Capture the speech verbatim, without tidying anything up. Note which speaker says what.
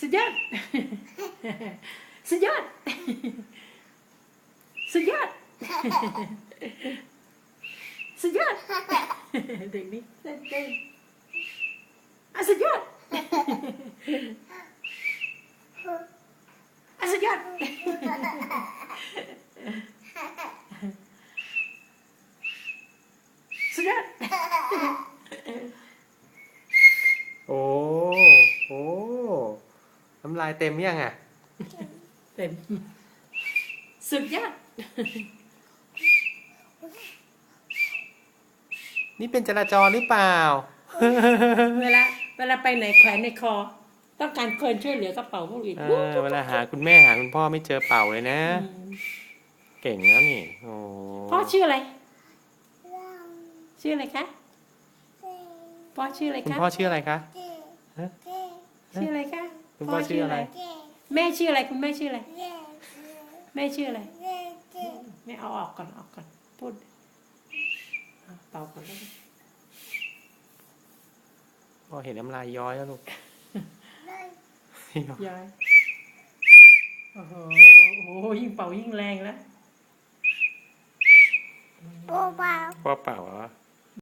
Speaker 1: สุดยอดสุดยอดสุดยอดสุดยอดเด็กนี่เต้นเต้นอ่ะสุดยอดอ่ะสุดยอดสุดยอด
Speaker 2: โอ้โอ้น้ำลายเต็มยังอ่ะ
Speaker 1: เต็มสุดยอด
Speaker 2: นี่เป็นจราจรหรือเปล่า
Speaker 1: เวลาเวลาไปไหนแขวนในคอต้องการคนช่วยเหลือกระเป๋าพวกอื่น
Speaker 2: เออเวลาหาคุณแม่หาคุณพ่อไม่เจอเป่าเลยนะเก่งแล้วนี่โอ้
Speaker 1: พ่อชื่ออะไรชื่ออะไรคะพ่อชื่ออะไร
Speaker 2: คุณ
Speaker 1: คะ
Speaker 2: พ่อชื่ออะไรคะ
Speaker 1: ชื่ออะไรคะ
Speaker 2: คุณพ่อชื่ออะไร
Speaker 1: แม่ชื่ออะไรคุณแม่ชื่ออะไรแม่ชื่ออะไรแม่เอาออกก่อนออกก่อนพูดเอาเป่าก่อนแล้วกัน
Speaker 2: พ่อเห็นน้ำลายย้อยแล้วลูก
Speaker 1: ย้ายโอ้โหโอ้โหยิ่งเป่ายิ่งแรงแล้ว
Speaker 2: พ่อเป่าเหรอ